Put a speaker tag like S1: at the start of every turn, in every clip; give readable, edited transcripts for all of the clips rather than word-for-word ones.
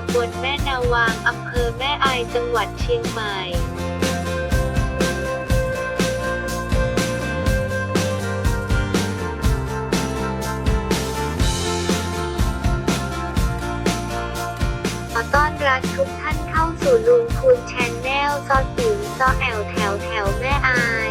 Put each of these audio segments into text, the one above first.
S1: ำบลแม่นาวางอำเภอแม่อายจังหวัดเชียงใหม่ขอต้อนรับทุกท่านเข้าสู่ลุงพูนแชนแนลซอติ๋วซอแอลแถวแม่อาย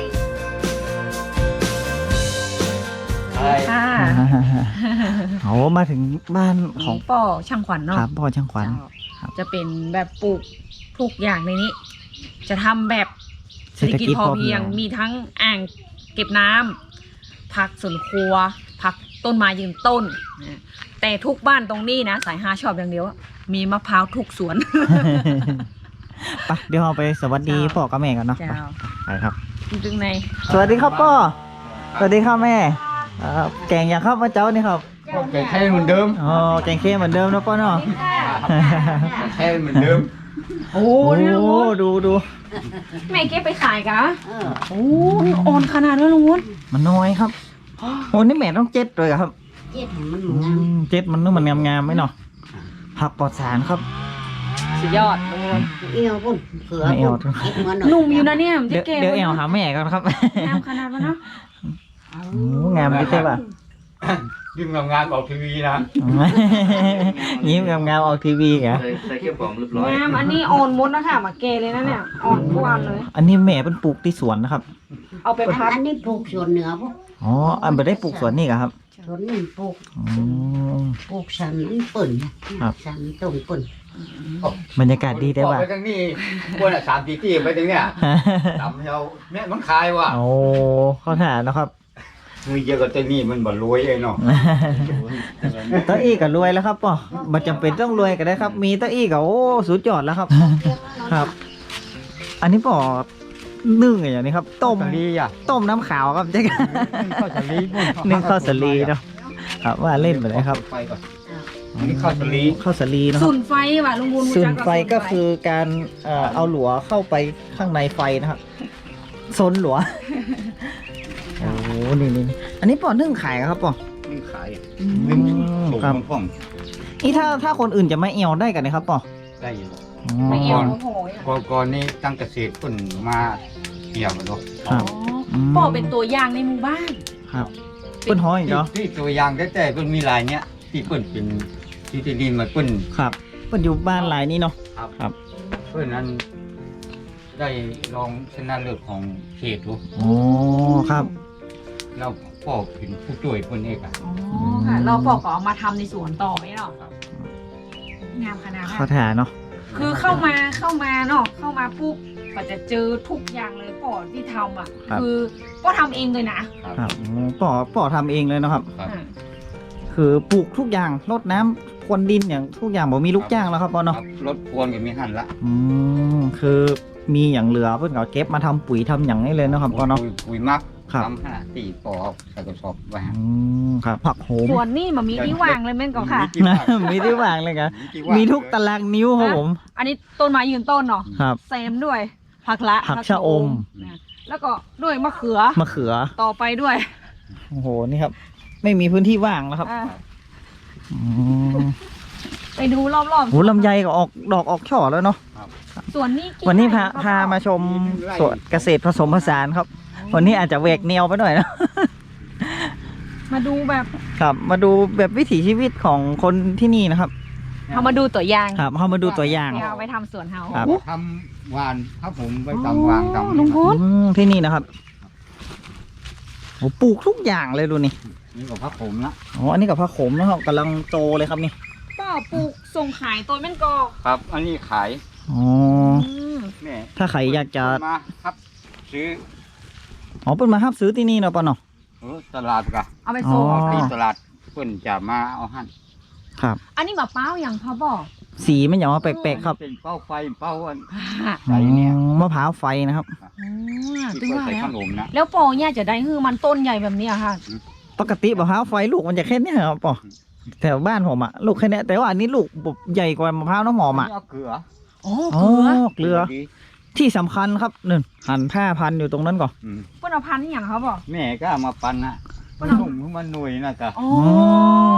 S2: ค่ะ
S3: โอ้มาถึงบ้านของ
S2: ป่อช่างขวัญเนาะ
S3: ครับพ่อช่างขวัญ ครับ
S2: จะเป็นแบบปลูกทุกอย่างในนี้ จะทำแบบเศรษฐกิจพอเพียงมีทั้งอ่างเก็บน้ำผักสวนครัวผักต้นไม้ยืนต้นนะแต่ทุกบ้านตรงนี้นะสายฮาชอบอย่างเดียวอะมีมะพร้าวทุกสวน
S3: ไปเดี๋ยวเราไปสวัสดีพ่อกับแม่กันเนาะ
S2: เจ้า
S3: ไปครับ
S2: ตึงใน
S3: สวัสดีครับพ่อสวัสดีครับแม่แกงอย่างครับมาเจ้านี่ครับ
S4: แกงแค่เหมือนเดิม
S3: อ๋อแกงเค็มเหมือนเดิมนะพ่อเนาะ
S4: แค่เหมือนเดิม
S2: โอ้
S3: โอ้
S2: นี่ลุงวุฒิ
S3: ดู
S2: แม่เก็บไปขายกะโอ้อ่อนขนาดนั้นลุงวุฒิ
S3: มันน้อยครับโอ้นี่แม่ต้องเจ็ดเลยเหรอครับ
S5: เจ็ดมัน
S3: เจ็ดมันนึกมันงามๆไหมเนาะผักปลอดสารครับ
S2: สุดยอดลุงวุฒิ
S5: เอวปุ่นเขือ
S3: ไม่เอา
S5: ปุ่นเอ็ดมัน
S2: หนุ่มอยู่นะเนี่ยมัน
S3: เดี๋
S2: จะ
S3: ยว
S2: แก่
S3: เดี๋ยวแอลหาแม่กันครับ
S2: งามขนาดนั้นเนาะ
S3: โอ้งามดิเต้ป่ะ
S4: ยิ่งทำงานออกทีวีนะ
S3: ยิ้มงามๆออกทีวีเหรอ
S4: ใส่เขี้ยวปลอมเรียบร้อย
S2: งามอันนี้อ่อนมดนะคะมาเกเลยนะเนี่ยอ่อนทุกอันเลย
S3: อันนี้แม่เป็นปลูกที่สวนนะครับ
S2: เอาไปพัด
S5: อันนี้ปลูกสวนเหนือพวก
S3: อ๋ออันไม่ได้ปลูกสวนนี่เหรอครับ
S5: สวนนี่ปลูก
S3: อ๋อ
S5: ปลูกสันปุ่นสันตรงปุ่น
S3: บรรยากาศดีได้ป่ะ
S4: ไปทางนี้คนอ่ะ3-4ที่ไปถึงเนี่ยทำเราเนี่ยมันคายว่ะ
S3: โอ้เข้าถานนะครับ
S4: มือเยอะกับตัวนี้มันบ่รวยเองเนาะ
S3: เต้าอี้ก็รวยแล้วครับป่อมันจำเป็นต้องรวยก็ได้ครับ มีเต้าอี้ก็โอ้สุดยอดแล้วครับ ครับ อันนี้ป่อนึ่งอย่างนี้ครับ ต้ม
S4: สลีอ่ะ
S3: ต้มน้ำขาวครับเจ๊ก
S4: ข้าวสลี
S3: นึ่งข้าวสาลีเนาะครับว่าเล่นไปเลยครับ
S4: ไฟก่อนนี่ข้าวสลี
S3: ข้าวสาลีเนาะ
S2: สุนไฟว่ะลุงบุญ
S3: ส่วนไฟก็คือการเอาหลัวเข้าไปข้างในไฟนะครับซนหลัว โอ้นี่อันนี้ป่อนึ่งขายครับป่อ
S4: นี่ขาย
S3: นึ่ง
S4: ส่ง
S3: ครับ
S4: พ่อง
S3: นี่ถ้าคนอื่นจะไม่เอวได้กันนะครับป่อ
S4: ได้อยู่
S2: ไม่เอ
S4: ก่
S2: ว
S4: อน
S2: โอ้โห
S4: ก่อนนี้ตั้งเกษตรคนมาเกี่ยวกันเนาะ
S3: ครับ
S2: ป่อเป็นตัวอย่างในหมู่บ้าน
S3: ครับเปิ้นห้อยเนาะ
S4: ที่ตัวอย่างแต่เพิ่นมีลายเนี้ยที่เพิ่นเป็นที่ดินมาเพิ่น
S3: ครับเปิ้นอยู่บ้านหลายนี่เนาะ
S4: เพื่อนนั้นได้รองชนะเลิศของเขตดู
S3: อ๋อครับ
S4: แล้วพ่อเป็นผู้ช่วยเพื่อนเอกอะ
S2: อ๋อค่ะเราป่อก็เอามาทำในสวนต่อไม่หรอกงามขนาด
S3: เขา
S2: นั้น
S3: ถ่าเนาะ
S2: คือเข้ามาเนาะเข้ามาปุ๊บก็จะเจอทุกอย่างเลยป่อที่ทำอ่ะคือป่อทำเองเลยนะครับ
S3: ป่อทำเองเลยเนาะครับ
S4: ครับ
S2: อ่า
S3: คือปลูกทุกอย่างรดน้ำพรวนดินอย่างทุกอย่างบ่มีลูกจ้างแล้วครับป่อเนาะ
S4: ครับรถพวนก็มีหันละ
S3: คือมีอย่างเหลือเพิ่นก็เก็บมาทำปุ๋ยทำอย่างนี้เลยเนาะครับป่อเนาะ
S4: ปุ๋ยมัก
S3: ครับ
S4: ทำขนาดตีปอใส่กระสอบไว้ฮะ
S3: ครับผักโหม
S2: ส่วนนี่มันมีที่วางเลยแม่นก็ค่ะ
S4: มีที่ว่าง
S3: มีที่วางเลยครับ
S4: ที่ว่าง
S3: มีทุกตารางนิ้วครับผม
S2: อันนี้ต้นไม้ยืนต้นเนาะ
S3: ครับ
S2: เซมด้วยผักละ
S3: ผักชะอม
S2: นะแล้วก็ด้วยมะเขือ
S3: มะเขือ
S2: ต่อไปด้วย
S3: โอ้โหนี่ครับ ไม่มีพื้นที่ว่างแล้วครับ
S2: อ่ะ
S3: อืม
S2: ไปดูรอบ
S3: โหลำไยก็ออกดอกออกช่อแล้วเนาะ
S2: ๆส่วนนี้กี่
S3: วันนี้
S2: ไร่
S3: พามาชมสวนเกษตรผสมผสานครับ วันนี้อาจจะแหวกแนวไปหน่อยนะ
S2: มาดูแบบ
S3: ครับมาดูแบบวิถีชีวิตของคนที่นี่นะครับ
S2: เอามาดูตัวอย่าง
S3: ครับเข้ามาดูตัวอย่าง
S2: เดี๋ยวเอาไปทำสวนเฮา
S3: ครับ
S4: ทำวานครับผมไปทำวางทำ
S2: ลุงพุทธ
S3: ที่นี่นะครับโอ้ปลูกทุกอย่างเลยดูนี่
S4: นี่ก็พักผมละ
S3: อ๋ออันนี้กับผ้าขมนะครับกำลังโตเลยครับนี่
S2: ป้าปลูกส่งขายตัวแม่นกอ
S4: ครับ อันนี้ขาย
S3: อ๋อ
S2: ม
S4: แม่
S3: ถ้าใครอยากจะ
S4: มาครับซื้อ
S3: อ๋อเปิ้นมารับซื้อที่นี่เนาะป่ะเนาะ
S4: ตลาดกะ
S2: เอาไปส่ง
S3: อ๋อ
S4: ที่ตลาดเพิ่นจะมาเอาหั่น
S3: ครับ
S2: อันนี้มะพร้าวอย่างพ่อบอก
S3: สีมันอย่างว่าแปลกๆครับ
S4: เป็นเป้าไฟเป้าอัน
S2: ค่ะ
S4: ใส่เนี่ย
S3: มะพร้าวไฟนะครับ
S4: ที่
S2: ตึง
S4: เพิ่น
S2: ว่า
S4: ใส่
S2: แล้
S4: ข
S2: วน
S4: มนะ
S2: แล้วปอเนี่ยจะได้คือมันต้นใหญ่แบบนี้อะค่ะ
S3: ปกติมะพร้าวไฟลูกมันจะแค่เนี้ยครับป่อแถวบ้านผมอะลูกแค่เนี้ยแต่ว่าอันนี้ลูกใหญ่กว่ามะพร้าวน้ำหอมอะ
S4: นนี้เอาเกลือ
S2: อ๋อ
S3: อ๋อ
S2: เกลือ
S3: เกลือที่สำคัญครับนึ่งหั่นผ้าพันอยู่ตรงนั้นก่อน
S4: อืม
S2: เปิ้นเอาพันธุ์อหย่างเขาบอก
S4: แม่ก็เอามาปั่นนะ
S2: ปั่
S4: มัน
S2: นเอา
S4: นุ่มมันหนุ่ยนะกะ
S2: อ๋อ
S3: อ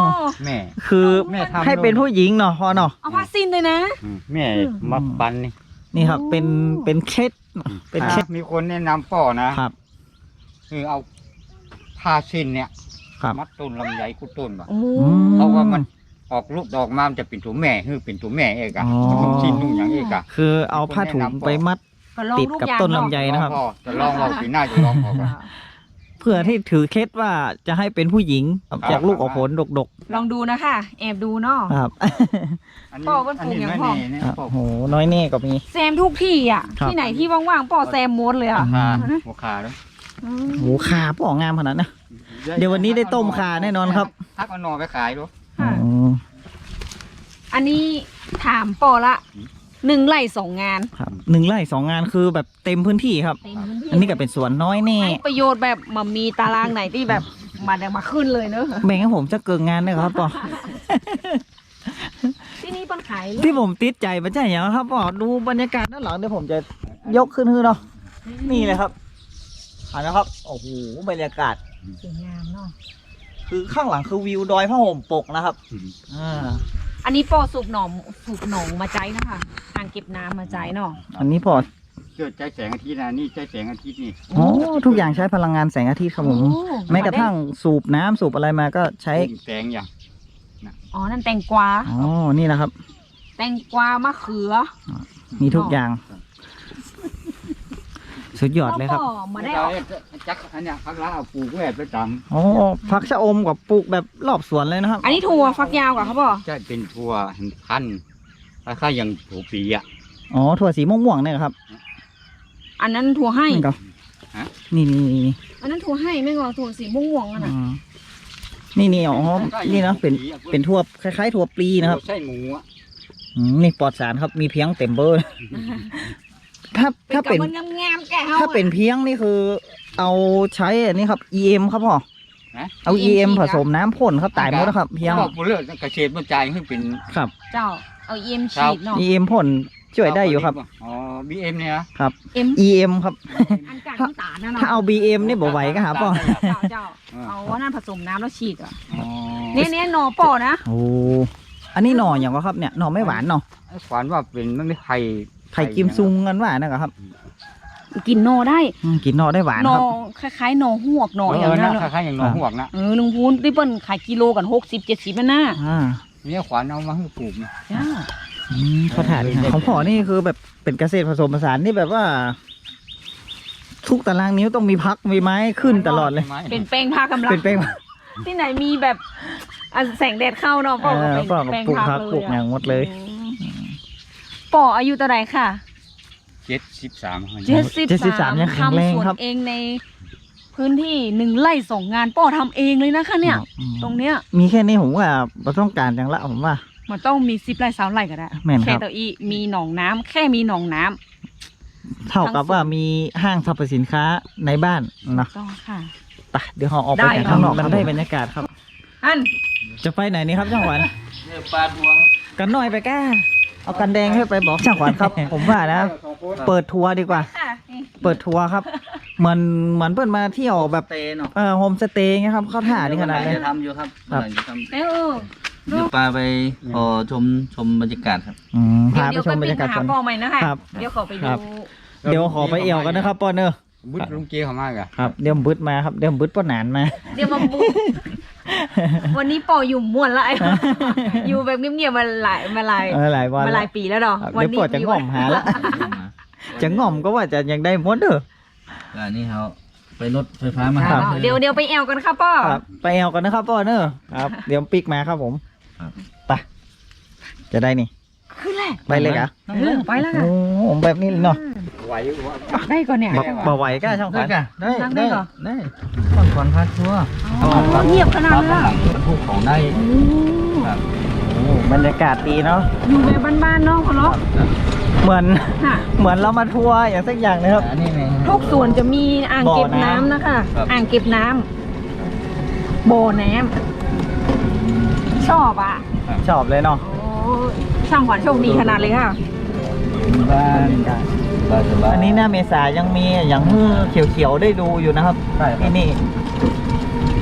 S4: แม่
S3: คือ
S4: แม่ทำ
S3: ให้เป็นผู้หญิงเนาะพ่อเนาะ
S2: เอาผ้าสิ้นเลยนะ
S4: แม่มาปันนี่
S3: นี่ครับเป็นเคล็ดเป็นเคล็ด
S4: มีคนแนะนำป่อนะครับ คือเอาผ้าสิ้นเนี่ย
S3: ครับ
S4: มัดต้นลำไยกุดต้นว่ะ
S2: โอ้
S4: เพราะว่ามันออกลูกดอกมามันจะเป็นตัวแม่คือเป็นตัวแม่เอกอะนุ่งชิ้นนุ่งอย่างเอกอะ
S3: คือเอาผ้าถุงไปมัด
S2: ก็ลอง
S3: ติด
S2: ลูก
S3: กับ
S2: ยาง
S3: ต้น
S2: เาะ
S3: ลำไยนะครับ
S4: พอจะลองเราปีหน้าจะลองพอกัน
S3: เพื่อที่ถือเคล็ดว่าจะให้เป็นผู้หญิงจากลูกออกผลดก
S2: ลองดูนะคะแอบดูเนาะ
S3: ๆครับ
S2: พ่อมันปลูกอย่างพ่อ
S4: เนี่ย
S3: ครับ
S4: พ่อ
S3: โหน้อยแน่ก็มี
S2: แซมทุกที่อ่ะ
S3: ครับ
S2: ที่ไหนที่ว่างๆป่อแซมหมดเลยอ่ะ
S4: หัวขาด้วย
S2: อืม
S3: โหขาป่องามขนาดนะ เดี๋ยววันนี้ได้ต้มขาแน่นอนครับ
S4: ทักเอาหนอไปขายด้วย
S2: ค่ะ
S3: อ๋อ
S2: อันนี้ถามป่อละ1 ไร่ 2 งาน
S3: ครับ1 ไร่ 2 งานคือแบบเต็มพื้นที่ครับ
S2: เต็มพื้นที่
S3: อันนี้ก็เป็นสวนน้อยแน่
S2: ให้ประโยชน์แบบมามีตารางไหนที่แบบมาขึ้นเลยเนอะ
S3: แบ่งให้ผมจะเกินงานนะครับป่อ
S2: ที่นี่ปันขายเลย
S3: ที่ผมติดใจมันใช่อย่างครับป่อดูบรรยากาศด้านหลังเดี๋ยวผมจะยกขึ้นให้เนาะนี่เลยครับอ่านะครับโอ้โหบรรยากาศ
S2: สวยงามเนาะ
S3: คือข้างหลังคือวิวดอยผ้าห่มปกนะครับอ่า
S2: อันนี้ป่อสูบหนองมาใจนะคะอ่างเก็บน้ำมาใจเนาะ
S3: อันนี้พอ
S4: เกิดใจแสงอาทิตย์นะนี่ใจแสงอาทิตย์นี่
S3: โอ้ทุกอย่างใช้พลังงานแสงอาทิตย์ครับผม
S2: โอ้
S3: แม้กระทั่งสูบน้ำสูบอะไรมาก็ใช้
S4: แสงอย่าง
S2: อ๋อนั่นแตงกวา
S3: อ๋อนี่นะครับ
S2: แตงกวามะเขือ
S3: มีทุกอย่าง สุดยอดเลยครับ
S2: ป่อมาได้ออก
S4: จักอันเนี้ยพักละเอาปลูกแวดประจ
S3: โอ้ผักชะอมกับปลูกแบบรอบสวนเลยนะครับ
S2: อันนี้ถั่วฟักยาวกว่าครับป่อ
S4: ำจะเป็นทัวพันธุ์คล้ายๆอย่างถั่วปีอ่ะ
S3: อ๋อถั่วสีม่วงๆเนี่ยครับ
S2: อันนั้นถั่วให้
S3: นี่ก็
S4: ฮะ
S3: นี่
S2: อันนั้นถั่วให้ไม่งอถั่วสีม่วงๆอ่ะนะ
S3: นี่อ๋อนี่นะเป็นถั่วคล้ายๆถั่วปลีนะครับ
S4: ใช่หมูอ่ะ
S3: นี่ปลอดสารครับมีเพียงเต็มเบอร์ ถ้าเป็น
S2: มันงามๆแกเฮา
S3: ถ้าเป็นเพียงนี่คือ เอาใช้อันนี้ครับ EM ครับพ่อ
S4: นะ
S3: เอา EM ผสมน้ำพ่นครับตายหมดแล้วครับเพียง
S4: บอกเรื่องเกษตรบรรจัยให้เป็น
S3: ครับ
S2: เจ้าเอาเอ็มฉีดเนาะ
S3: EM พ่นช่วยได้อยู่ครับ
S4: อ๋อ BM เนี่ยนะ
S2: เอ็ม
S3: EM ครับ
S2: อันกากน้ำตาลนะเนาะ
S3: ถ้าเอา BM นี่บ่ไหวก็หาป่อ
S2: เจ้าเอาว่านั่นผสมน้ำแล้วฉีดอ่ะ
S4: อ๋อ
S2: เนี่ยหนอป่อนะ
S3: โอ้อันนี้หน่ออย่างวะครับเนี่ยหน่อไม่หวานเนาะ
S4: ขวานว่าเป็นมันไม่ไผ่
S3: ไข่กิมซุงกันว่านะครับ
S2: กินหนอได้
S3: กินหน่อได้หวาน
S2: หน
S3: ค
S2: อ
S3: รับ
S2: คล้ายๆหนอหวกหนออย่างนั้น
S4: คล้ายๆอย่างหนองหวกนะ
S2: ลุงพูนที่เปิ้นขายกิโลกัน60-70นั่นน่ะ
S3: อ่า
S4: เนี่ยขวานเอามาให้ปลูกนะ
S2: จ้า
S3: เขาถ่านของพ่อนี่คือแบบเป็นเกษตรผสมผสานที่แบบว่า ทุกตารางนิ้วต้องมีพักมีไม้ขึ้นตลอดเลย
S2: เป็นแป้งผ้ากำลัง
S3: เป็นแป้ง
S2: ที่ไหนมีแบบแสงแดดเข้าเนาะป่อก็เป็น
S3: ป่อกับ
S2: แป้ง
S3: ปลูก
S2: พั
S3: พั
S2: ก
S3: ก
S2: เลย
S3: ปลูกอย่างหมดเลย
S2: ป่ออายุเท่าไหร่ค่ะ
S4: 73
S3: 73ยังแข็งแรง
S2: ทำสวน
S3: ครับ
S2: เองในพื้นที่1 ไร่ 2 งานป่อทำเองเลยนะคะเนี่ย ตรงเนี้ย
S3: มีแค่นี้ผมว่าเราต้องการจังละผมว่า
S2: มันต้องมี10 ไร่3 ไร่ก็ได้
S3: แม่นครับ
S2: แค่ตัวอีมีหนองน้ำแค่มีหนองน้ำ
S3: เท่ากับว่ามีห้างสรรพสินค้าในบ้านเนาะ
S2: ต้องค่ะ
S3: ไปเดี๋ยวเราออกไป
S2: ได้
S3: ข้างนอก
S2: ครับ
S3: มันได้บรรยากาศครับ
S2: อัน
S3: จะไปไหนนี่ครับช่างขวัญ
S4: เนี่ยปลาดวง
S3: กันหน่อยไปแก้เอากันแดงให้ไปบอกช่างขวัญครับ ผมว่านะ เปิดทัวร์ดีกว่า
S2: ค่ะนี่
S3: เปิดทัวร์ครับเหมือนเพื่อนมาเที่ยวแบบ
S6: เตเนาะ
S3: โฮมสเตย์ไงครับเข้าท่านี่ขนาดเลย
S6: จะทำอยู่ครับ
S3: ครับ
S6: จะท
S2: เอ้ย
S6: ำเดี๋ยวปลาไปขอชมบรรยากาศครับ
S3: พาไป
S2: เดี๋ยว
S3: ช
S2: ไป
S3: มบรร
S2: ปิ้ง
S3: ยากาศ
S2: หา
S3: ก่อน
S2: ป่อใหม่นะคะ
S3: ครับ
S2: เดี๋ยวขอไป
S3: ค
S2: ดู
S3: รับ เดี๋ยวขอไปเอี่ยวกันนะครับป้อนเนอร์
S4: บุตรลุงเกีเขามากอะ
S3: ครับเดี๋ยวบึดมาครับเดี๋ยวบึดป้อนหนานมา
S2: เดี๋ยวมาบุกวันนี้ป่ออยู่ม่วนละ อยู่แบบเงียบๆมาหลาย
S3: หลายวัน
S2: มาหลายปีแล้วเนาะ
S3: ครับ
S2: วั
S3: เดี๋ยวปอดจะง่อมหาละ จะง่อมก็ว่าจะยังได้มดเด้อ
S6: อันนี้เขาไปรถไฟฟ้ามา
S3: ครับ
S6: หา
S2: เดี๋ยวไปแอวกันครับป่อ
S3: ครับไปเอี่ยวกันนะครับป้อนเนอร์ครับเดี๋ยวปิกมาครับผม
S6: ครับ
S3: ไปจะได้นี่
S2: ขึ้นแหละ
S3: ไปเลยเหรอ
S2: ไปแล้ว
S3: โอ้ผมแบบนี้เลยเนาะ
S4: ไหววะ
S2: ได้ก่อนเนี่ย
S3: บ่ไหวก็ช่างขวัญ
S6: ได้
S2: นั่งได้เหรอ
S6: ได้ก่อนพาทัวร์
S2: อ๋อเงียบขนาดนั้นเลยอะ
S6: พูกของได้ครับ
S3: โอ้บรรยากาศดีเนาะ
S2: อยู่แบบบ้านๆเนาะพ่อเนาะ
S3: เหมือน
S2: ค่ะ
S3: เหมือนเรามาทัวร์อย่างสักอย่างนะครับ
S6: อันนี้ไง
S2: ทุกส่วนจะมีอ่างเก็บ
S3: บ่อน้ำ
S2: น้ำนะคะ
S6: ครับ
S2: อ่างเก็บน้ำบ่อน้ำชอบอ่ะ
S3: ชอบเลยเนาะ
S2: โอ้ช่างขวัญโชคดีขนาดเลยค่ะ
S6: บ้านสบาย
S3: อันนี้หน้าเมษายังมีอย่างมือเขียวๆได้ดูอยู่นะครับ
S6: ใช่ครับ
S3: ที่นี่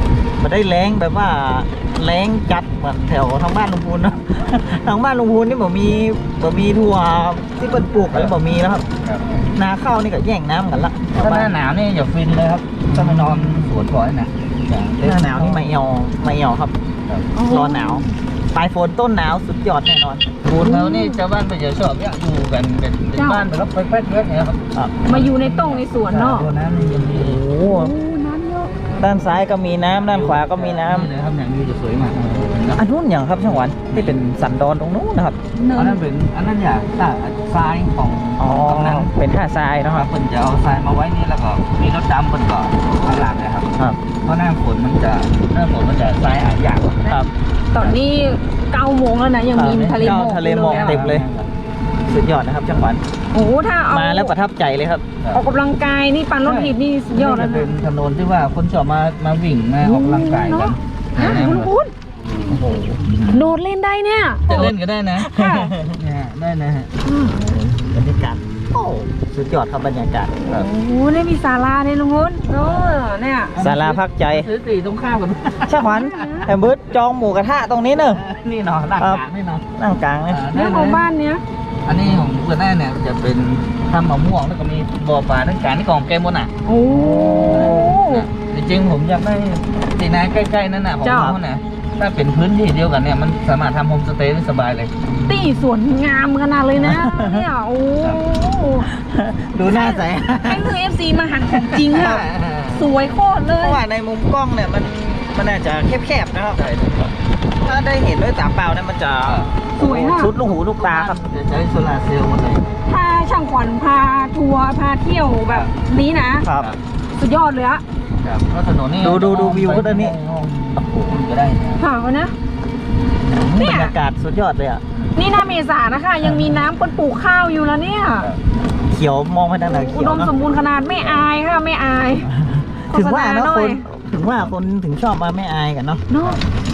S3: มาได้แรงแบบว่าแรงจัดเหมือนแถวทางบ้านลุงพูนเนาะ ทางบ้านลุงพูนนี่บ่มีทั่วที่เปิ้นปลูกเลยบ่มีแล้วครับ
S6: ครับ
S3: นาข้าวนี่ก็แย่งน้ำกันละ
S6: ถ้าหน้าหนาวนี่อย่าฟินเลยครับถ้าไปนอนสวนก่อนนะ
S3: หน้าหนาวนี่ไม่เอวครับ
S6: ครับ
S3: ร้อนหนาวปลายฝนต้นหนาวสุดยอดแน่นอน
S6: ปูนเขานี่ชาวบ้านไปจะชอบเนี่ยอยู่กันเป็นบ้านไปรับไปแป๊ดเยอะเนี่ยครับ
S2: มาอยู่ในต้งในสวนเนาะ
S6: ตัวนั้นนี่ยังดี
S3: โอ้โห
S2: น้ำเยอะ
S3: ด้านซ้ายก็มีน้ำด้านขวาก็มีน้ำ
S6: เลยครับอย่างนี้จะสวยมาก
S3: อันนู้นอย่างครับช่างหวันที่เป็นสันดอนตรงนู้นนะครับ
S2: เนิ
S6: อัน
S2: น
S6: นั้นเป็นอันนั้นอย่างทรายของ
S3: อ๋อก
S6: ำนัน
S3: เป็นท่าทรายเนอะ
S6: ค
S3: ค
S6: รั
S3: รั
S6: บบ เพิ่นจะเอาทรายมาไว้นี่แล้วก็มีรถดำเพิ่นก็ข้างหลังนะครับ
S3: ครับ
S6: เพราะหน้าฝนมันจะทรายอาบยาก
S3: ครับ
S2: ตอนนี้9 โมงแล้วนะยังมีทะเลหมอก
S3: ทะเลหมอก
S2: อยู่
S3: เต็มเลย สุดยอดนะครับช่างหวัน
S2: โอ้โหถ้าเอา
S3: มาแล้วประทับใจเลยครับ
S2: ออกกำลังกายนี่ปันรถถีบนี่สุดยอดแล้ว
S6: จะเป็
S2: นะ
S6: นถนนที่ว่าคนชอบมาวิ่งมาออกกำลังกายกัน
S2: ฮะคุณ
S6: โอ้โห
S2: โดดเล่นได้เนี่ย
S6: จะเล่นก็ได้นะ
S2: ค่ะ
S6: เนี่ยได้นะฮะ
S3: บรรยากาศโอ้สุดยอดครับบรรยากาศ
S6: ครับ
S2: โอ้โหเนี่ยมีศาลาเนี่ยลุงพุนเนี่ย
S3: ศาลาพักใจ
S6: ซื้อตีตรงข้ามกัน
S3: ช่างหวันแอมเบิร์ตจองหมูกระทะตรงนี้เนอะ
S6: นี่เนาะหลักฐานนี่เนาะ
S3: นั่งกลางเลย
S2: เรื่องของบ้านเนี้ย
S6: อันนี้ของเพื่อนแน่เนี่ยจะเป็นทำมะม่วงแล้วก็มีบ่อปลาทั้งการที่ของแกมบนอ่ะ
S2: โอ้
S6: จริงๆผมอยากได้ตีนาใกล้ๆนั่นน่ะผม
S2: เจ้า
S6: ว่านะถ้าเป็นพื้นที่เดียวกันเนี่ยมันสามารถทำโฮมสเตย์ได้สบายเลย
S2: ตีสวนงามขนาดเลยนะเนี่ยโอ้
S3: ดูหน้าใส
S2: ให้มือ FC มาหันของจริงค่ะสวยโคตรเล
S3: เพ
S2: ย
S3: ราะว่าในมุมกล้องเนี่ยมันอาจจะแคบๆนะครับ ถ้าได้เห็นด้วยตาเปล่าเนี่ยมันจะ
S2: สวยค่ะ
S3: ชุดลูกหูลูกตาครับ
S6: จะใช้โซลาร์เซลล์หมดเลย
S2: ถ้าช่างขวัญพาทัวร์พาเที่ยวแบบนี้นะ
S3: ครับ
S2: สุดยอดเลยอะ
S6: ครับเพราะถนนนี่
S3: ดูวิวก็ได้นี่
S6: โอ้โหก็ได้นะ
S2: ค่ะวะนะ
S3: บรรยากาศสุดยอดเลยอ่ะ
S2: นี่หน้าเมษานะคะ ยังมีน้ำคนปลูกข้าวอยู่แล้วเนี่ย
S3: เขียวมองไปทางไหน
S2: อุ
S3: เขีย
S2: ด
S3: ว
S2: ม
S3: เนาะ
S2: สมบูรณ์ขนาดไม่อายค่ะไม่อาย
S3: ถึงว่าเนาะ
S2: โฆษณห
S3: ค
S2: อย
S3: นถึงว่าคนถึงชอบมาไม่อายกันเนาะ
S2: เนาะ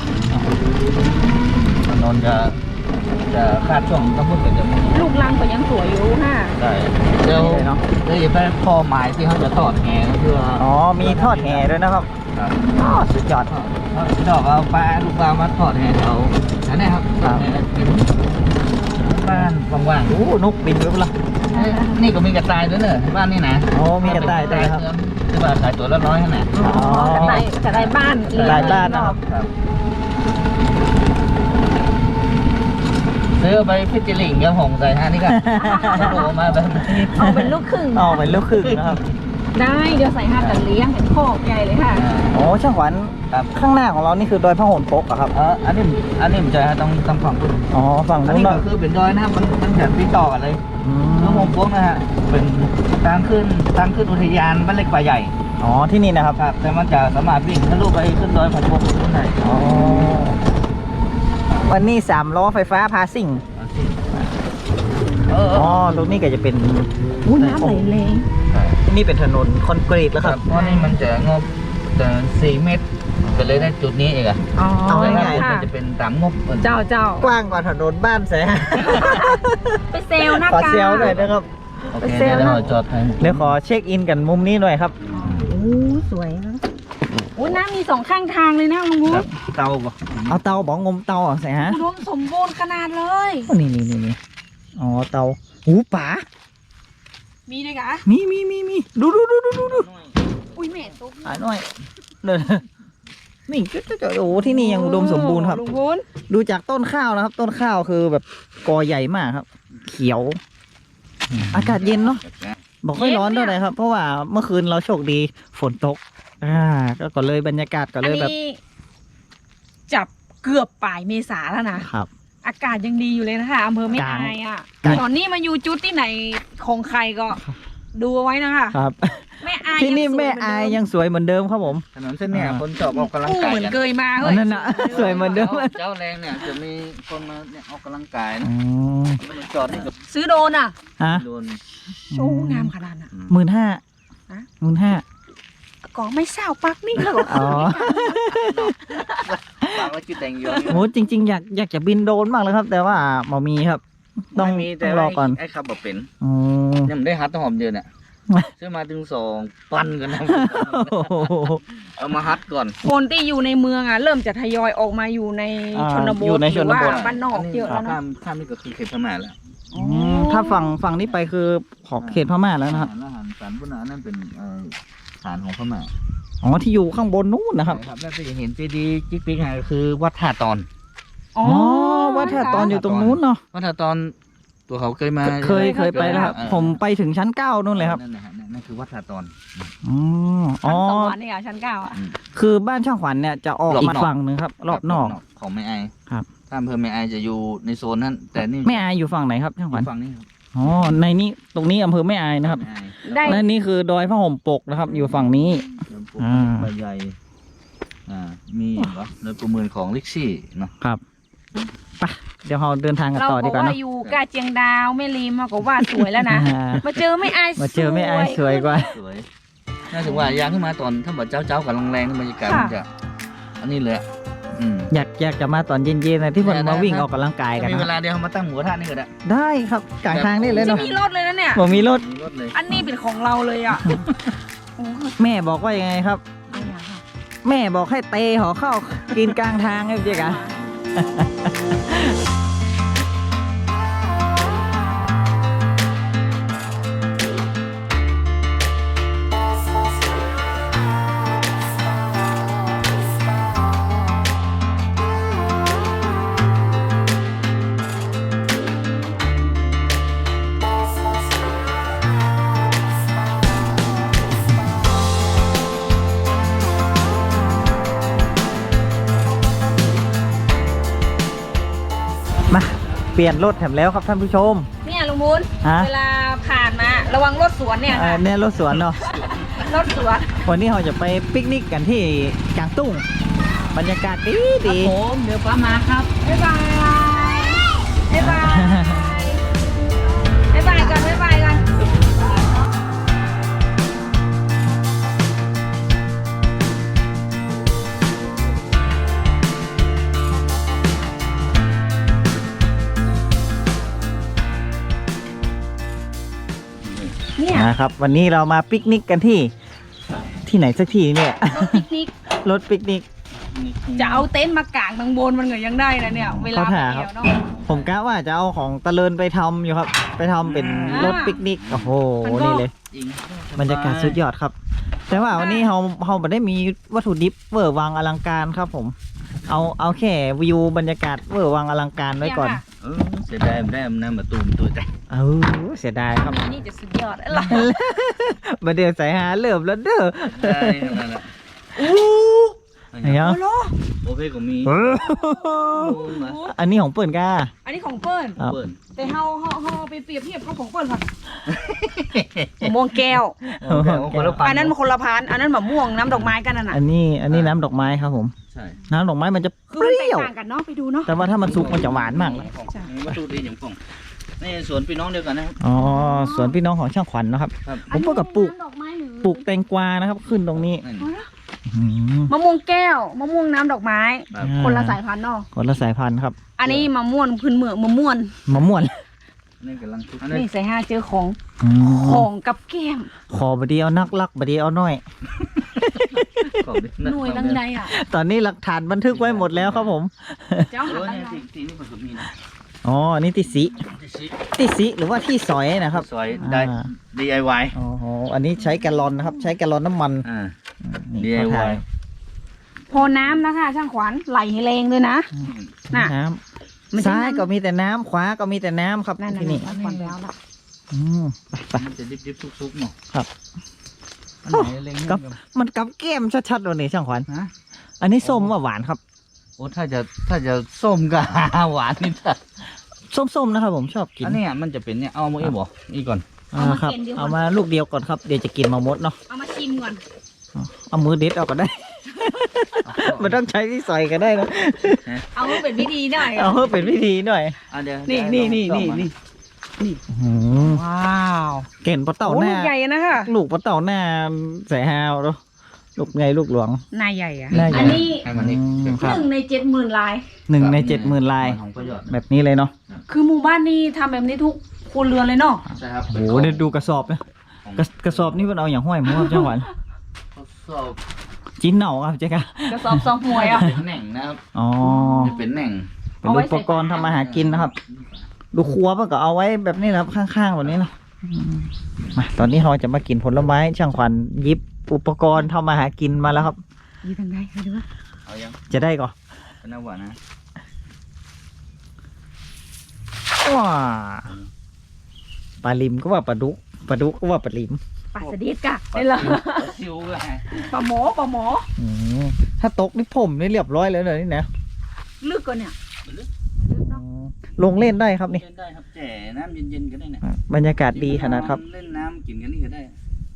S6: ถนนจะคาดช่วงต้องพูดกันจะไม่
S2: ลูกลังก็ยังสวยอยู่ค่ะ
S6: ได้เดี๋ยวอย่าไปพอหมายที่เขาจะทอดแหก็คือ
S3: อ๋อมีทอดแห่ด้วยนะครับ
S6: ครับ
S3: อ๋อสุดยอด
S6: ดอกเอาปลาลูกปลามาทอดแหเขาอันนี้ครับทอดแหเป็นบ้านว่าง
S3: โอ้นกบินไปแล้ว
S6: ๆนี่ก็มีกระต่ายด้วยเนอะบ้านนี่นะ
S3: อ๋อมีกระต่ายด้วยครับ
S6: ที่ว่าขายตัวละ100ขนาด
S3: อ๋อ
S2: จะได้บ้าน
S3: กระต่ายบ้านนะครับ
S6: ครับซื้อไปพิจิลิงกับหงใส่ฮะนี่ก็โผล่มาแบบนี้
S2: เอาเป็นลูกครึ่ง
S3: อ๋อเป็นลูกครึ่งนะครับ
S2: ได้เดี๋ยวใส่ห้ากันเลี้ยงเห็นโคกใหญ่เลยค่ะ
S3: โอ้ช่างขวัญ
S6: ครับ
S3: ข้างหน้าของเรานี่คือดอยพระโหนปกอะครับ
S6: อันนี้มันจะต้องฝั่งคุณ
S3: อ๋อฝั่ง
S6: อัน
S3: นู้น
S6: นี้
S3: เนาะ
S6: ก็คือเป็นดอยนะครับมันจะติดต่อกันเลย
S3: อื
S6: เมือง
S3: ม
S6: หงโป๊กนะฮะเป็นทางขึ้นอุทยานบ้านเล็กป่าใหญ่
S3: อ๋อที่นี่นะครับ
S6: ครับ แต่มันจะสามารถวิ่งทะลุไปขึ้นดอยผัดพงขึ้นได้
S3: อ๋อวันนี้3 ล้อไฟฟ้าพาซิ่ง อ๋อตรงนี้ก็จะเป็น
S2: อู้น้ำไหลแรง
S3: นี่เป็นถนนคอนกรีตแล้ว
S6: ค
S3: ค
S6: รั
S3: รั
S6: บบ เพราะนี่มันจะงบแต่4 เมตรก็เลยได้จุดนี้เองอะ
S2: อ๋อ
S3: เอาง่ายๆ
S6: มั
S2: ค่ะ
S6: นจะเป็นตามงบ
S2: เจ้า
S3: กว้างกว่าถนนบ้านแส
S2: ไปเซลหน้า
S3: ขอก
S2: า
S3: เซลหน่อยนะครับ
S6: โอเคเดี๋ยวเราจอดให้
S3: เดี๋ยวขอเช็คอินกันมุมนี้หน่อยครับ
S2: โอ้สวยนะโอ้น้ำมี2ข้างทางเลยนะลุงวุ้
S6: ครับเตาบ่
S3: เอาเตาบอกงมเตาเหรอใส่ฮะ
S2: อุดมสมบูรณ์ขนาดเลย
S3: โอ้นี่อ๋อเตาหูป๋า
S2: มีด้วยกะ
S3: มีดู
S2: อุ้ยแม่ตุ๊ก
S3: หาหน่อยเดินนี่จะโอ้โหที่นี่ยังอุดมสมบูรณ์ครับ
S2: ลุงวุ้น
S3: ดูจากต้นข้าวนะครับ ต้นข้าวคือแบบกอใหญ่มากครับ เขียว อากาศเย็นเนาะบอกไม่ร้อนเท่าไหร่ครับ เพราะว่าเมื่อคืนเราโชคดีฝนตกก็เลยบรรยากาศก็
S2: อัน
S3: เลยแบบ
S2: นี้จับเกือบปลายเมษาแล้วนะครับ อากาศยังดีอยู่เลยนะคะอำเภอแม่อายอ่ะ
S3: กลาง
S2: ตอนนี้มาอยู่จุดที่ไหนของใครก็ดูเอาไว้นะคะ
S3: ครับ
S2: แม่อาย
S3: ที่นี่
S2: ยังสวย
S3: แม่อายยังสวยเหมือนเดิมครับผม
S6: ถนนเส้นเนี้ยคนชอบออกกำลัง
S2: กู้
S6: กาย
S2: เหมือน
S6: กัน
S2: เกยมา
S3: อั
S2: เฮ้
S3: น
S2: ย
S3: นั้นนะสวยเหมือนเดิม
S6: เจ้าแรงเนี่ยจะมีคนมาเนี่ยออกกำลังกายนะ
S3: อ๋อ
S6: มันจอดนี่กับ
S2: ซื้อโดนอ่ะ
S3: ฮะ
S6: โดน
S2: โอ้งามขนาดน่ะ
S3: 15,000
S2: ฮะ
S3: 15,000
S2: ก็ไม่เศร้าปักนี่แล้วก็
S3: อ๋อ
S6: วางไว้จุดแต่งอยู่
S3: โหจริง ๆ อยากจะบินโดรนบ้างเลยครับ แต่ว่าบ่มีครับ ต้อง
S6: ไม่มีแต่
S3: รอก่อน
S6: ไอ้ขับบ่เป็น
S3: อ๋อ
S6: ยังไม่ได้หัดต้องหอมเดือนเนี่ยซื้อมาถึง2 ปันกันนะ
S3: โอ้โห
S6: เอามาฮัดก่อน
S2: คนที่อยู่ในเมืองอ่ะเริ่มจะทยอยออกมาอยู่ในชนบ
S3: อยู่
S2: ท
S3: ใน
S2: ห
S3: ช
S2: รือน ว่า
S3: บท
S2: บ้านนอกเยอะแล้ว
S6: ข้า
S2: เนาะ
S6: มข้ามนี่ก็คือเขตพม่าแล้ว
S3: ถ้าฝั่งนี้ไปคือของเขตพม่าแล้วนะครับ
S6: อาหารสารพุนานั่นเป็นฐานของพม่า
S3: อ๋อที่อยู่ข้างบนนู้นนะครับ
S6: ใช่ครับแล้วจะเห็นเจดีย์จิ๊กปิ๊กก็คือวัดท่าตอน
S2: อ๋อ
S3: อ๋อวัดท่าตอนอยู่ตรงนู้นเนาะ
S6: วัดท่าตอนตัวเขาเคยมา
S3: เคยไปแล้วครับ ผมไปถึงชั้น 9นู่นเลยครับ
S6: นั่นนะฮะนั่นคือวัดท่าตอน
S3: อ๋อ
S2: ชั้
S3: อ๋
S2: น
S3: อ
S2: สวรรค์เนี่ยชั้นเก้าอ่ะ
S3: คือบ้านช่างขวัญเนี่ยจะออก
S6: รอบ
S3: อี
S6: น
S3: ก
S6: อก
S3: ฝั่งหนึ่งครับ รอบนอก
S6: ของแม่ไอ
S3: ครับ
S6: ถ้าอำเภอแม่ไอจะอยู่ในโซนนั้น แต่นี่
S3: แม่อายอยู่ฝั่งไหนครับช่างขวัญ
S6: ฝั่งนี้ครับ
S3: อ๋อในนี้ตรงนี้อำเภอแม่อายนะครับ
S6: แม่ไอ
S2: ได้
S3: และนี่คือดอยพระห่มปกนะครับ อยู่ฝั่งนี้
S6: เดินปลูก
S3: อ่า
S6: ใบใหญ่มีเหรอเดินประเมินของลิกซี่เนาะ
S3: ครับไปเดี๋ยวเราเดินทางกัน
S2: เรา
S3: ต่อดี
S2: บอก
S3: กว่า
S2: ว่า
S3: เนาะ
S2: อยู่กาเจียงดาวแม่ริมก็ว่าสวยแล้วนะ
S3: อ่า
S2: มาเจอไม่อาย
S3: มาเจอแม่อายสวยกว่า
S6: สวยน่าถึงว่ายางขึ้นมาตอนถ้าแบบเจ้ากับแรงๆบรรยากาศมันจะอันนี้เลยอะอืม
S3: อยากจะมาตอนเย็นๆนะที่มันมาวิ่งออกกำลังกายกัน
S6: ถ้ามีเว
S3: นะ
S6: ลาเดียวเขามาตั้งหมูกระทะนี่ก็ได้
S3: ได้ครับกลางทางนี่เลย
S2: จะ
S3: เนาะ
S2: มีรถเลยนะเนี่ย
S3: ผมมีรถ
S6: มีรถเลย
S2: อันนี้เป็นของเราเลยอ่ะโอ้โห
S3: แม่บอกว่ายังไงครับ แม่บอกให้เตะหอเข้ากินกลางทางไงเจ๊กะ มาเปลี่ยนรถแถมแล้วครับท่านผู้ชม
S2: เนี่ยลุงมูล
S3: ฮะ
S2: เวลาผ่านมาระวังรถสวนเนี่ยค่ะ
S3: เนี่ยรถสวนเนาะ
S2: รถสวน
S3: วันนี้เราจะไปปิกนิกกันที่กลางตุ้ง บรรยากาศดีดี
S2: ผมเดี๋ยวป้ามาครับบ๊ายบายบ๊ายบายบ๊ายบายกันบ๊ายบายกัน เนี่ย
S3: นะครับ วันนี้เรามาปิกนิกกันที่ไหนสักที่เนี่ย
S2: รถปิกนิก
S3: รถปิกนิก
S2: จะเอาเต็นท์มากางทางบนมันก็ยังได้นะเนี่ย เวลาไป
S3: เขาถ่าค
S2: เที่
S3: รับ
S2: ยวเนาะ
S3: ผมกะว่าจะเอาของตะเลินไปทำอยู่ครับ ไปทำเป็นรถปิกนิก โอ้โห นี่เลย
S6: จริง
S3: บรรยากาศสุดยอดครับ แต่ว่าวันนี้เราไม่ได้มีวัตถุดิบเวอร์วังอลังการครับผม เอาแค่วิวบรรยากาศเวอร์วังอลังการไว้ก่อน
S2: เนี่ยค่ะ
S6: เสียดายไม่ได้มันน้ำมาตูมตัวใจ
S3: เสียดายครับ
S2: อันนี้จะสุดยอดอะไร
S3: มาเดี๋ยวใส่หาเริ่มแล้วเด้อ
S6: ได้นั่นแหละ
S3: ไหนอ่ะ
S2: โอ้โห
S6: โอเคก็มี
S3: อันนี้ของเปิ่นก้า
S2: อันนี้ของเปิ้ล
S3: ครับ
S6: เปิด
S2: แต่เฮาไปเปรียบเทียบกับของเปิ้ลค่ะมะม่วงแก้ว
S6: คนละพัน
S2: อันนั้นมันคนละพันอันนั้นมะม่วงน้ำดอกไม้กันน่ะนะ
S3: อันนี้น้ำดอกไม้ครับผม
S6: ใช่
S3: น้ำดอกไม้มันจะเป
S2: คือมันแตก
S3: รี้ยว
S2: ต่างกันเนาะไปดูเนาะ
S3: แต่ว่าถ้ามันสุกมันจะหวานมากเลย
S6: วัตถุดิบอย่างกล่องนี่สวนพี่น้องเดียวกันนะครับ
S3: อ๋อสวนพี่น้องของช่างขวัญนะครับ
S6: ครับ
S3: ผมก็กับปลูก
S2: น้ำดอกไม้หรือ
S3: ปลูกแตงกวานะครับ ขึ้นตรงนี้
S6: นั่น
S3: อืม
S2: มะม่วงแก้วมะม่วงน้ำดอกไม้
S6: ครับ
S2: คนละสายพันธุ์เนาะ
S3: คนละสายพันธุ์ครับ
S2: อันนี้มะม่วงพื้นเมืองมะม่วง
S3: มะม่วน
S6: นี่กำลังทุก
S2: นี่ใส่ห้าเจอของ
S3: อืม
S2: ของกับแก้ม
S3: ขอบดีเอานักลักบดีเอาน้อย
S2: หน่วยลังใดอ่ะ
S3: ตอนนี้หลักฐานบันทึกไว้หมดแล้วครับผม
S2: เจ้า
S6: เอ
S2: หา
S6: อ
S2: ลัง
S6: เนี่ย
S2: ใด
S6: ทีนี่ผสมมีนะ
S3: อ๋ออันนี่ติสิ
S6: ที่ซิ
S3: ติสิหรือว่าที่สอยนะครับ
S6: ซอยได้
S3: อ่า
S6: DIY
S3: อ๋ออันนี้ใช้แกลลอนนะครับ ใช้แกลลอนน้ำมัน
S6: DIY
S3: เขาถ่าย
S2: พอน้ำนะคะช่างขวัญไหลให้แรงเลยนะ น่ะ
S3: น้
S2: มัน
S3: ำ
S2: จะ
S3: ซ้ายก็มีแต่น้ำขวาก็มีแต่น้ำครับ
S2: นั่น
S3: ที่นี่
S2: ช่างขวัญแล้วล่ะ
S3: อืมไป
S6: มันจะดิบๆซุกๆเนาะ
S3: ครับ
S6: อันไหนเล็ง
S3: ครับ มันกับแก้มชัดๆวันนี้ช่างขวัญ
S6: ฮะ
S3: อันนี้ส้มว่าหวานครับ
S6: โอ้ถ้าจะส้มกับหวานนี่ถ้า
S3: ส้มๆนะครับผมชอบกิน
S6: อันเนี้ยมันจะเป็นเนี่ยเอามาอีกบ่อีกก่อน
S3: ครับเอามาลูกเดียวก่อนครับเดี๋ยวจะกินมาหมดเนาะ
S2: เอามาชิมก่อน
S3: เอามือเด็ดเอาก็ได้ มันต้องใช้ที่ใส่ก็ได้นะ
S2: เอาให้เป็นวิธีหน่อย
S3: เอาเพื่อเป็นวิธีหน่อย
S6: อ่ะเดี๋ยว
S2: นี่
S6: เดี๋ยว
S2: นี่
S6: ลอง
S2: นี่
S6: ซ่อมมา
S2: นี่ ว้าว
S3: เก่นปลาเต่า
S2: โอ้
S3: ห
S2: ลู
S3: น้าก
S2: ใหญ่นะคะ
S3: ลูกปลาเต่าหน้าใส่ฮาวเนาะลูกไงลูกหลวง
S2: นายใหญ่อะ
S3: นายใหญ่
S2: อันนี้
S6: ให้มันนี่
S3: ครับ
S2: 1 ใน 70,000 ลาย
S3: 1 ใน 70,000 ลาย
S6: ของประโยชน์
S3: แบบนี้เลยเนาะ
S2: คือหมู่บ้านนี้ทำแบบนี้ทุกครัวเรือนเลยเนาะ
S6: ใช่ครับ
S3: โอ้โหเดี๋ยวดูกระสอบนะ
S6: ข
S3: กระสอบนี่มันเอาอย่างห้อยหมูครับจังหวัด
S6: ทดสอบ
S3: จิ้นเหน่าครับเจ๊กะ
S2: กระสอบซองหวยอ่ะ
S6: เป็นแหน่งนะครับ
S3: อ๋อ
S6: จะเป็นแหน่ง
S3: เป็นอุปกรณ์ทำมาหากินนะครับ ดูครัวมันก็เอาไว้แบบนี้แหละครับข้างๆแบบนี้เนาะมาตอนนี้เราจะมากินผลไม้ช่างขวัญหยิบอุปกรณ์ทำมาหากินมาแล้วครับ
S2: อยู่ทางใดคะดูว่า
S6: เอายัง
S3: จะได้ก่อน
S6: เป็นน้ำหวานนะ
S3: ว้าปลาลิมก็ว่าปลาดุกปลาดุกก็ว่าปลาลิม
S2: ปลาสดิดกะได้เหรอ
S6: ซิวก็ไง
S2: ปลาหมอ
S3: อืมถ้าตกนี่ผมนี่เรียบร้อยแล้วเลยนี่นะ
S2: ลึกกว่าเนี่ยมันลึก
S3: อื
S2: เนาะ
S3: มลงเล่นได้ครับนี่
S6: เล่นได้ครับแจ่น้ำเย็นๆก็ได้เนี่ย
S3: บรรยากาศดีขนาดครับ
S6: เล่นน้ำกินกันนี่ก็ได้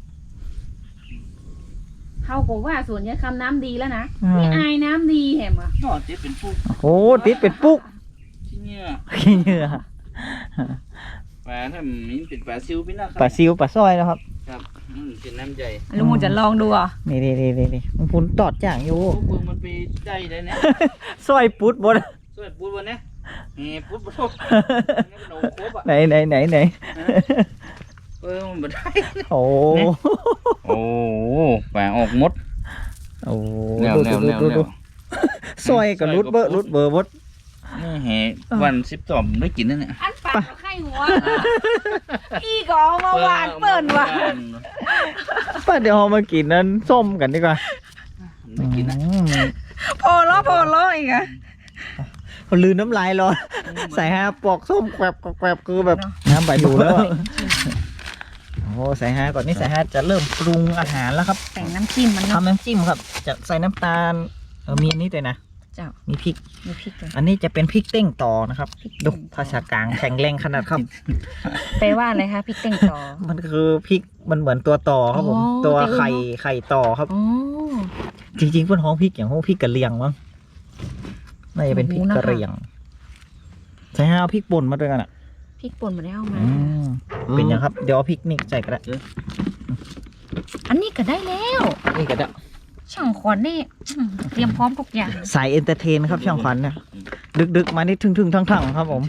S2: เขาบอกว่าสวนยายคำน้ำดีแล้วนะ
S3: อ่า
S2: นี่อายน้ำดีแหมอ่ะ
S6: ก็เจ๊เป็นผู้
S3: โอ้ติดเป็นปุ๊ก
S6: ที่เนี่ย
S3: ขี้เหงื่อ
S6: ปลาถ้ามีเป็นปลาซิวพี่นะครั
S3: ปลาซิวปลาสร้อยนะครับ
S6: ครับเป็นน้ำใหญ่
S2: ลุงมูจะลองดูอ่ะ
S3: นี่มึงพูนตอดจ่างอยู่
S6: พวกมึงมันไปได้ได้เนี่ย
S3: สร้อยปุ๊ดบด
S6: สวยปุ๊บวันเนี้ยปุ๊บปุ๊บนี่เป็นโอ้โหอ่ะ
S3: ไหน
S6: มันไม่ได้
S3: โอ้
S6: โอ้ปลาออกมด
S3: โอ้
S6: แนว
S3: ดูสร้อยกับรุดเบอร์บด
S6: นี่แห่วัน12ได้กินนั่นเนี่ย
S2: อันปากไข่หัวอีก็เอามาหวานเปิ่นว่ะ
S3: ป้าเดี๋ยวเรามากินนั้นส้มกันดีกว่า
S6: ได้กินนะ
S2: พอล้ออีกอ่ะ
S3: เขาลืมน้ำลายรอใส่ฮาปอกส้มแกวบคือแบบน้ำใบอยู่แล้วอะโอ้ใส่ฮาก่อนนี่ใส่ฮาจะเริ่มปรุงอาหารแล้วครับ
S2: แต่งน้ำจิ้มมันเนาะ
S3: ทำน้ำจิ้มครับ จะใส่น้ำตาลมีอันนี้ด้วยนะ
S2: เจ้า
S3: มีพริก
S2: มีพริกด้วย
S3: อันนี้จะเป็นพริกเต้งต่อนะครับ
S2: พริกเต้ง
S3: ดู
S2: ต่อ
S3: ภาษากลางแข็งแรงขนาดครับ
S2: แปลว่าอะไรคะพริกเต้งต่อ
S3: มันคือพริกมันเหมือนตัวต่อครับผม
S2: อ๋อ
S3: ตัว
S2: แต่ว่า
S3: ไข่ต่อครับ
S2: อ๋อ
S3: จริงๆเพื่อนห้องพริกอย่างห้องพริกกะเหรี่ยงมั้งน่าจะเป็นพริกกะเหรี่ยงใช่ฮะเอาพริกป่นมาด้วยกันอ่ะ
S2: พริกป่นมาได้เอามา
S3: เป็นยังครับ เดี๋ยวเอาพริกนี่ใส่กันละ
S2: อันนี้ก็ได้แล้ว
S3: นี่ก็ได้
S2: ช่างขวัญนี่เตรียมพร้อมทุกอย่าง
S3: สายเอนเตอร์เทนครับช่างขวัญเนี่ยดึกๆมานี่ทึ่งๆทั้งๆครับผม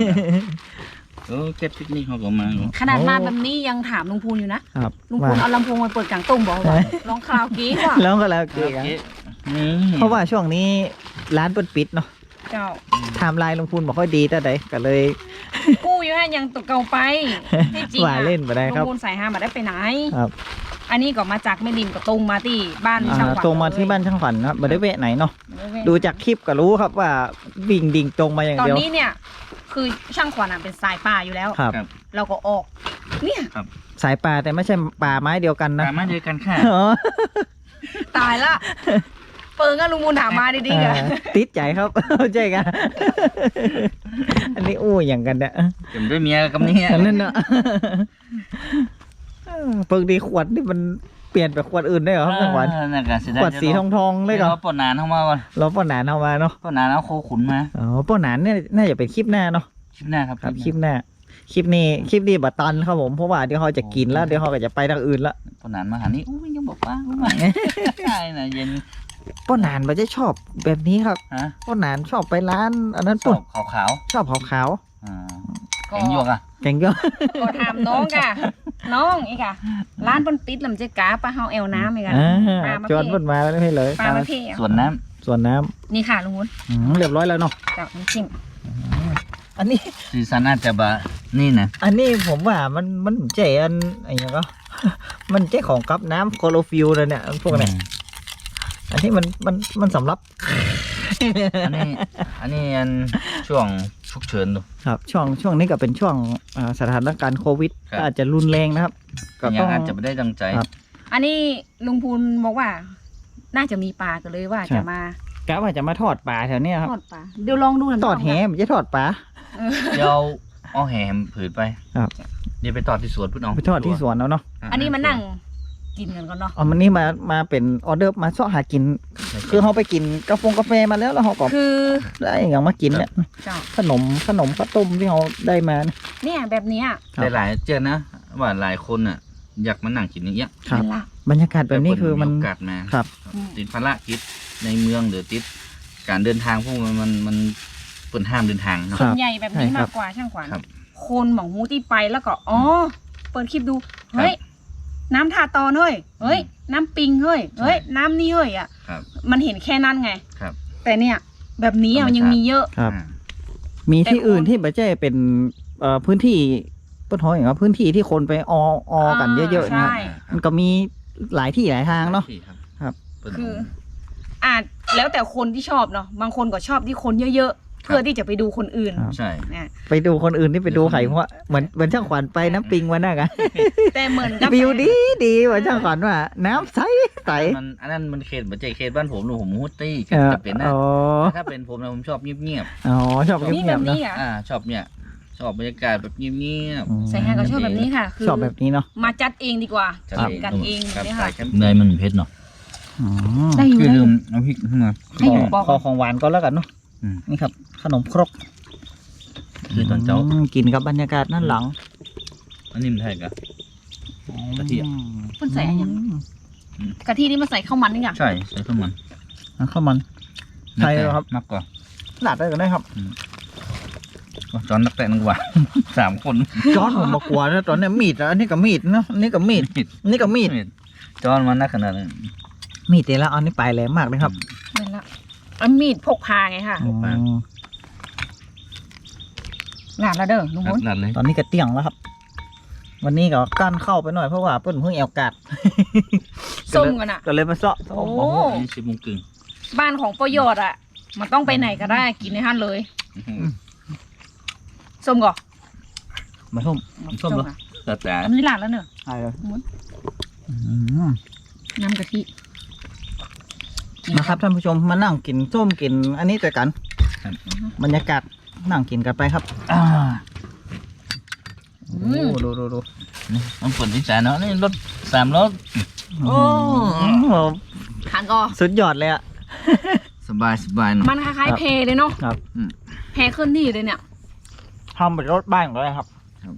S6: เก็บพิกนี่เขาก็มา
S2: ขนาดมา
S3: โอ้
S2: แบบนี้ยังถามลุงพูนอยู่นะครับ ลุงพูนเอาลำโพงมาเปิดกลางตุ้งบอกว่าลองคราวกี้ว่ะ
S3: แล้วก็แล้วเกกันเพราะว่าช่วงนี้ร้านเปิดปิดเนาะ
S2: เจ้า
S3: ไทม์ไลน์ลงทุนบอกค่อยดีแต่ใดก็เลย
S2: กู้อยู่ฮะยังตกเก่าไปที่จริง
S3: ว่า
S2: อะ
S3: เล่นไปได้
S2: ลุ
S3: ครับ
S2: งพูนใส่ห้ามาได้ไปไหน
S3: ครับ
S2: อันนี้ก็มาจากแม่ริมกับตรงมาที่บ้านช่างขวัญ
S3: ตรงมาที่บ้านช่างขวัญครับไม่ได้เวะไหนเนาะ
S2: เลย
S3: ดูจากคลิปก็รู้ครับว่าวิ่งดิ่งตรงมาอย่าง
S2: ตอน
S3: เดียว
S2: นี้เนี่ยคือช่างขวัญอะเป็นสายป่าอยู่แล้ว
S3: ครับ
S2: เราก็ออก เนี่ย
S3: สายป่าแต่ไม่ใช่ป่าไม้เดียวกันนะ
S6: ปลามาเดียวกันค่ะ
S3: อ๋อ
S2: ตายละเปิงอะลุงมูลถามมาดีๆกัน
S3: ติดใจครับ เข้าใจกัน อันนี้อู้อย่างกันเนี่ย
S6: จำด้วยเมียกับนี่
S3: อันนั้นเนาะเปิงดีขวดนี่มันเปลี่ยนไปขวดอื่นได้เหรอครับจังหวัด
S6: นั่นกัน
S3: ขวดสีทองๆเลยเหรอ
S6: ปนนานเข้ามาก่อน
S3: เราป้อนหนานเอามาเนาะ
S6: ปนนานเอาโคขุนมา
S3: อ๋อป้อนหนานเนี่ยน่าจะเป็นคลิปหน้าเนาะ
S6: คลิปหน้าครับ
S3: ครับคลิปหน้าคลิปนี้บัตตันครับผมเพราะว่าเดี๋ยวเขาจะกินแล้วเดี๋ยวเขาก็จะไปทางอื่นละ
S6: ปนนานมาหานี่อุ้ยยังบอกว่าอุ้ยใช่นะเย็น
S3: ป้อนหนานมันจะชอบแบบนี้ครับ
S6: ฮะ
S3: ป้อนหนานชอบไปร้านอันนั้น
S6: ส
S3: ปุ่
S6: อน บขาว
S3: ชอบขาว
S6: ๆแข็งยวกอ่ะ
S3: ๆแกงเยอะ
S2: ก็ถามน้องกะน้องอีกอะร้านเปิ้นปิดลำเจ๊กาปลาเฮาแอวน้ำอีกอะ ปลามา
S3: จวน
S2: เพ่
S3: พุ่นมาแล้วให้เลย
S2: ปลามาเพ่อะ
S6: ส่วนน้
S3: ส่วนน้ำ
S2: นี่ค่ะลุงวุ้น
S3: เรียบร้อยแล้วเนาะ
S2: เจ้าน้ำจิ้ม
S3: อันนี้
S6: ำซีซันอาจจะบะนี่นะ
S3: อันนี้ผมว่ามันเจอันอะไรอย่างก็ มันเจของกับน้ำโคโลฟิลเลยเนี่ยพวกเนี่ยอันนี้มันสำหรับ
S6: อันนี้อันช่วงฉุกเฉินดู
S3: ครับช่วงนี้ก็เป็นช่วงสถานการณ์โควิด
S6: ครับ
S3: ก็อาจจะรุนแรงนะครับ ก็
S6: ยั
S3: ต้อง ง
S6: อาจจะไม่ได้ดังใจ
S3: ครับ
S2: อันนี้ลุงพูนบอกว่า น่าจะมีปลากันเลยว่า
S3: ครับ
S2: จะมาก
S3: ะว่าจะมาทอดปลาแถวเนี้ยครับ
S2: ทอดปลาเดี๋ยวลองดูหน่อย
S3: ทอดแหมันจะทอดปลา
S6: เดี๋ยวเอาแหมผืนไป
S3: ครับ
S6: เดี๋ยวไปตอดที่สวนพุ่นเอา
S3: ไปทอดที่สวนเอาเนาะ
S2: อันนี้มานั่งกินกันก่อนเนาะ
S3: เอามันนี่มาเป็นออเดอร์มาเสาะหากิน คือเขาไปกินกาแฟมาแล้วเขาก็
S2: คือ
S3: ได้อย่างมากินเนี่ย
S2: เจ้า
S3: ขนมข้าวต้มที่เขาได้มาเนี่ย
S2: เนี่ยแบบเนี้ย
S3: ครับ
S6: แต่หลายเจอนะว่าหลายคนอ่ะ อยากมานั่งกินอย่างเงี้ย
S3: ครับ
S2: เป็นละ
S3: บรรยากาศแบบนี้คือมัน
S6: โอกาสมา
S3: ครับ
S6: ติดภารกิจในเมืองหรือติดการเดินทางพวกมันเปิดห้ามเดินทางเนาะ
S3: ค
S2: ส่
S3: รั
S2: ว
S3: บ
S2: นใหญ่แบบนี้
S3: ใช่ครั
S2: มา
S3: บ
S2: กกว่าช่างขวัญ
S6: ครับ
S2: คนหมองหูที่ไปแล้วก็อ๋อเปิดคลิปดูเฮ้ยน้ำทาตอนเฮ้ยเฮ้ยน้ำปิงเฮ้ยเฮ้ยน้ำนี่เฮ้ยอ่ะ
S6: ครับ
S2: มันเห็นแค่นั้นไง
S6: ครับ
S2: แต่เนี่ย แบบนี้อะมันยังมีเยอะ
S3: ครับ
S6: อ่า
S3: มีที่
S2: แต่คน
S3: อื่นที่ไม่ใช่เป็นพื้นที่ต้นหอยอย่างว่าพื้นที่ที่คนไปอกันเยอะๆเนี่ย
S2: ใช่
S3: มันก็มีหลายที่หลายทางเนาะ
S6: ที่ครับ
S3: ครับ
S6: เปิ้น
S2: คืออาจแล้วแต่คนที่ชอบเนาะบางคนก็ชอบที่คนเยอะๆ เพื่อที่จะไปดูคนอื่น
S3: ครับ
S6: ใช่
S2: นะ
S3: ไปดูคนอื่นที่ไปดูไข่เพราะว่าเหมือนช่างขวัญไปน้ำปิงวันนั้นกัน
S2: แต่เหมือนกับ
S3: วิวดีเหมือนช่างขวัญว่า น้ำใสใส
S6: มันอันนั้นมันเขตบัจเจเขตบ้านผมหนูผมฮู้ตี้
S3: เออ
S6: จะเป็นนะ
S3: อ๋อ
S6: ถ้าเป็นผมนะผมชอบเงียบ
S3: อ๋อชอบ
S2: นี่
S3: เงี
S2: แบ
S3: ยบบ ๆเนาะ
S2: นี้อ่ะ
S6: ๆชอบเนี่ยชอบบรรยากาศแบบเงียบ
S2: ใส่แฮก็ชอบแบบนี้ค่ะ คือ
S3: ชอบแบบนี้เนาะ
S2: มาจัดเองดีกว่า
S6: ๆจัด
S2: ทำกันเอง
S6: ครับ
S2: เนี่ย
S6: ใส่
S2: ค่ะ
S6: เนยมันเผ็ดเนาะ
S3: อืม
S2: ได้อยู่
S6: คือ
S2: ได้อ
S6: ลื
S2: ยู่
S6: มเอาพริกขึ้นมา
S2: ให้อยู่บอก
S3: ขอของหวานก็แล้วกันเนาะ
S6: อืม
S3: นี่ครับ ขนมครก
S6: คือตอนเจ้า
S3: กินกับบรรยากาศนั่นหลัง
S6: อันนี้มันไทยกะ กะทิอะ
S2: เพิ่นใส่อะไรอย่างกะทินี่มาใส่ข้าวมันนี่อย่าง
S6: ใช่ใส่ข้าวมัน
S3: ข้าวมัน ใช่ครับ
S6: มากกว่า
S3: หลาดได้ก็ได้ครับ
S6: จอนนักแต่นึกว่า 3 คน
S3: จอนผมมากลัวนะตอนเนี้ยมีดอะอันนี้ก็มีดเนาะอันนี้ก็มีดอันนี้ก็มีด
S6: จอนมันนักขนาดนั้น
S3: มีดเตแล้วอันนี้ปลายแหลมมากเลยครับ
S2: นั่นละอันมีดพกพาไงค่ะ
S3: อ๋อ
S2: หลานละเด้อลุงมด
S6: นัดเลย
S3: ตอนนี้ก็เตี้ยงแล้วครับ วันนี้ก็กั้นเข้าไปหน่อยเพราะว่าเพิ่นเพิ่งแอวกัด
S2: ส้มกันอ่ะ
S3: ก็เลยมาเซาะ
S2: โอ้
S6: นี่10 โมงครึ่ง
S2: บ้านของประโยชน์อ่ะ มันต้องไปไหนก็ได้กินในห้านเลย ส้มก่อน
S3: มาส้ม
S6: ส้มเหรอ
S2: ค่ะ
S6: แต่
S2: อันนี้หลานแล้วเนอะ
S3: ใช่เลย
S2: น้ำกะทิ
S3: นะครับท่านผู้ชมมานั่งกินส้มกิน อันนี้ด้วยกัน
S6: ครับ
S3: บรรยากาศนั่งกินกันไปครับโอ้ดู
S6: นี่มันฝนที่แสนเนาะนี่รถ3 ล้อ
S3: โอ้โห
S2: ทานก่อน
S3: สุดยอดเลยอะ
S6: สบายเนาะ
S2: มันคล้ายๆเพเลยเนาะ
S3: ครับ
S2: เพขึ้นที่เลยเนี่ย
S3: ทำเป็นรถบ้านก็ได้ครับ
S6: ครับ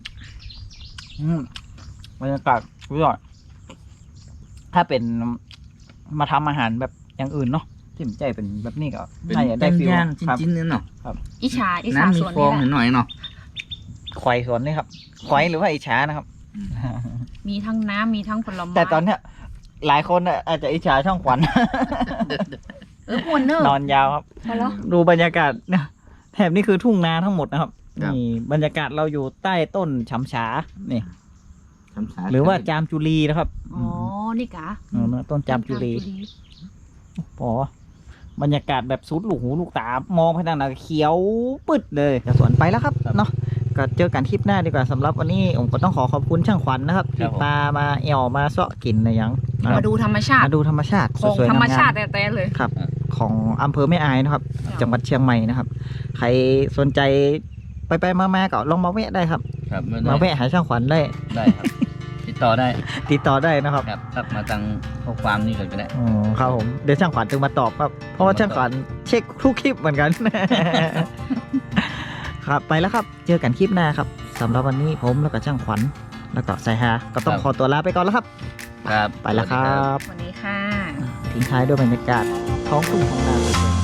S3: บรรยากาศสุดยอดถ้าเป็นมาทำอาหารแบบอย่างอื่นเนาะที่ผมใจเป็นแบบนี้ก็
S6: เป็น
S3: น่าจะได้ฟิล
S6: ย่าน
S3: ครับ
S6: ๆจิ้นๆเนี่ยเนาะ
S2: อิชา
S6: น้ำมี
S2: ส่วน
S6: ฟอ
S2: นี้
S6: ง
S2: แหละ
S6: หน่อยๆเนาะ
S3: ควายสวนนี่ครับควายหรือว่าอิจฉานะครับ
S2: มีทั้งน้ำมีทั้งผลไม้
S3: แต่ตอนเนี้ยหลายคนน่ะอาจจะอิจฉาช่องขวัญ
S2: พวนเนอร์
S3: นอนยาวครับ
S2: พอแล้ว
S3: ดูบรรยากาศเนี่ยแถบนี้คือทุ่งนาทั้งหมดนะครับ
S6: ครับ
S3: นี่บรรยากาศเราอยู่ใต้ต้นฉำฉานี่
S6: ทำสา
S3: หรือว่าจามจุลีนะครับ
S2: อ๋อ นี่กะ
S3: ต้นจามจุลีโอ้บรรยากาศแบบสุดลูกหูลูกตามองไปทางไหนเขียวปึ๊ดเลยจะสวนไปแล้วครับเนาะก็เจอกันคลิปหน้าดีกว่าสำหรับวันนี้ผมก็ต้องขอขอบคุณช่างขวัญนะครับที่พามาแอวมาเสาะกินอะไรอย่างนะค
S2: มา
S3: รับ
S2: ดูธรรมชาติ
S3: มาดูธรรมชาติ
S2: ของ
S3: สวยๆ
S2: ธรรม
S3: งาม
S2: ชาติแต่ๆเลย
S3: ๆครับของอำเภอแม่อายนะครับ จังหวัดเชียงใหม่นะครับ ใครสนใจไปมาๆก็ลองมาแวะได้ครับ
S6: ครับ
S3: มาแวะหาช่างขวัญได้
S6: ได้ครับ ติดต่อได้
S3: ติดต่อได้นะครับ
S6: ครับทักมาทางข้อความนี่ก่อนก็ได้
S3: อ๋อครับผมเดี๋ยวช่างขวัญจึงมาตอบครับ เพราะว่าช่างขวัญเช็คทุกคลิปเหมือนกัน ครับไปแล้วครับ เจอกันคลิปหน้าครับสำหรับวันนี้ผมแล้วก็ช่างขวัญแล้วก็สายฮาก็ต้องขอตัวลาไปก่อนแล้วครับ
S6: ครับ
S3: ไปแล้วครับ
S2: สวัสดีค่ะ
S3: ทิ้งท้ายด้วยบรรยากาศท้องทุ่งท้องนาสวยๆ